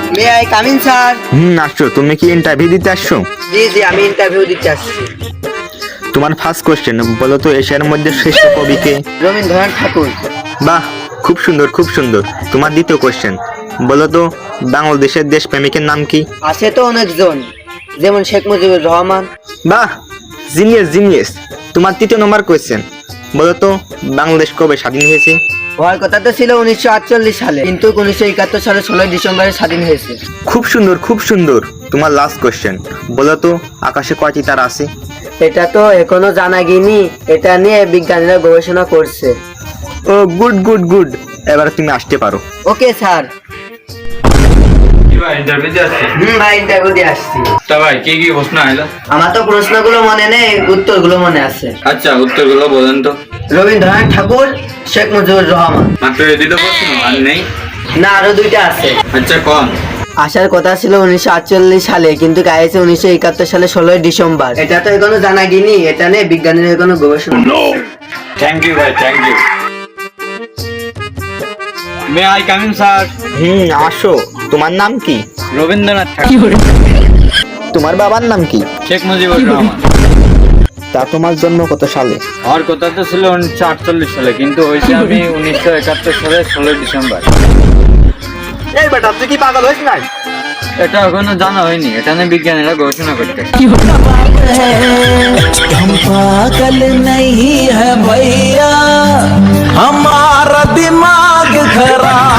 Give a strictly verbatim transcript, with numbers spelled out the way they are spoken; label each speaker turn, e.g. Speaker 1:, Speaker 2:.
Speaker 1: May I come in sir?
Speaker 2: হুম আসছো। তুমি কি ইন্টারভিউ দিতে আসছো?
Speaker 1: জি জি, আমি ইন্টারভিউ দিতে আসছি।
Speaker 2: তোমার ফার্স্ট কোশ্চেন, বলো তো এশিয়ার মধ্যে শ্রেষ্ঠ কবি কে?
Speaker 1: রবীন্দ্রনাথ ঠাকুর।
Speaker 2: বাহ, খুব সুন্দর খুব সুন্দর। তোমার দ্বিতীয় কোশ্চেন, বলো তো বাংলাদেশের দেশপ্রেমিকের নাম কি?
Speaker 1: আছে তো অনেকজন, যেমন শেখ মুজিবুর রহমান।
Speaker 2: বাহ, জিনিয়াস জিনিয়াস। তোমার তৃতীয় নম্বর কোশ্চেন, বলো তো বাংলাদেশ কবে স্বাধীন হয়েছে?
Speaker 1: হওয়ার কথা তো ছিল উনিশশো আটচল্লিশ সালে, কিন্তু উনিশশো একাত্তর সালে ষোলোই ডিসেম্বরে স্বাধীন হয়েছে।
Speaker 2: খুব সুন্দর খুব সুন্দর। তোমার লাস্ট কোশ্চেন, বলো তো আকাশে কয়টি তারা আছে?
Speaker 1: এটা তো এখনো জানা গিয়েনি, এটা নিয়ে বিজ্ঞানীরা গবেষণা করছে।
Speaker 2: ও গুড গুড গুড। এবার তুমি আসতে পারো।
Speaker 1: Okay sir.
Speaker 3: কি ভাই ইন্টারভিউ দিয়ে আসছি?
Speaker 1: হুম ভাই, ইন্টারভিউ দিয়ে আসছি।
Speaker 3: তা ভাই কি কি প্রশ্ন আইলো?
Speaker 1: আমার তো প্রশ্নগুলো মনে নেই, উত্তরগুলো মনে আছে।
Speaker 3: আচ্ছা উত্তরগুলো বলেন তো।
Speaker 1: রবীন্দ্রনাথ ঠাকুর, শেখ মুজিবুর রহমান।
Speaker 3: মাত্র এই দুটো প্রশ্ন আর নেই?
Speaker 1: না, আরো দুইটা আছে।
Speaker 3: আচ্ছা কোন?
Speaker 1: আসার কথা ছিল উনিশশো আটচল্লিশ সালে, কিন্তু গাইছে উনিশশো একাত্তর সালে ষোলোই ডিসেম্বর। এটা তো এখনো জানা গিয়েনি, এটা নিয়ে বিজ্ঞানীরা এখনো গবেষণা।
Speaker 3: থ্যাংক ইউ ভাই, thank you. May I come in sir?
Speaker 2: হুম আসো। তোমার নাম কি?
Speaker 3: রবীন্দ্রনাথ ঠাকুর।
Speaker 2: তোমার বাবার নাম কি?
Speaker 3: শেখ মুজিবুর রহমান।
Speaker 2: তা তোমার জন্ম কত সালে?
Speaker 3: আমার কথা তো ছিল উনিশশো আটচল্লিশ সালে, কিন্তু হয়েছে আমি উনিশশো একাত্তর সালে ষোলোই ডিসেম্বর।
Speaker 2: এই বেটা, তুই কি পাগল হয়েছিস না?
Speaker 3: এটা এখনো জানা হয়নি, এটা নিয়ে বিজ্ঞানীরা গবেষণা করতে।
Speaker 4: हम पागल नहीं है भैया, हमारा दिमाग खराब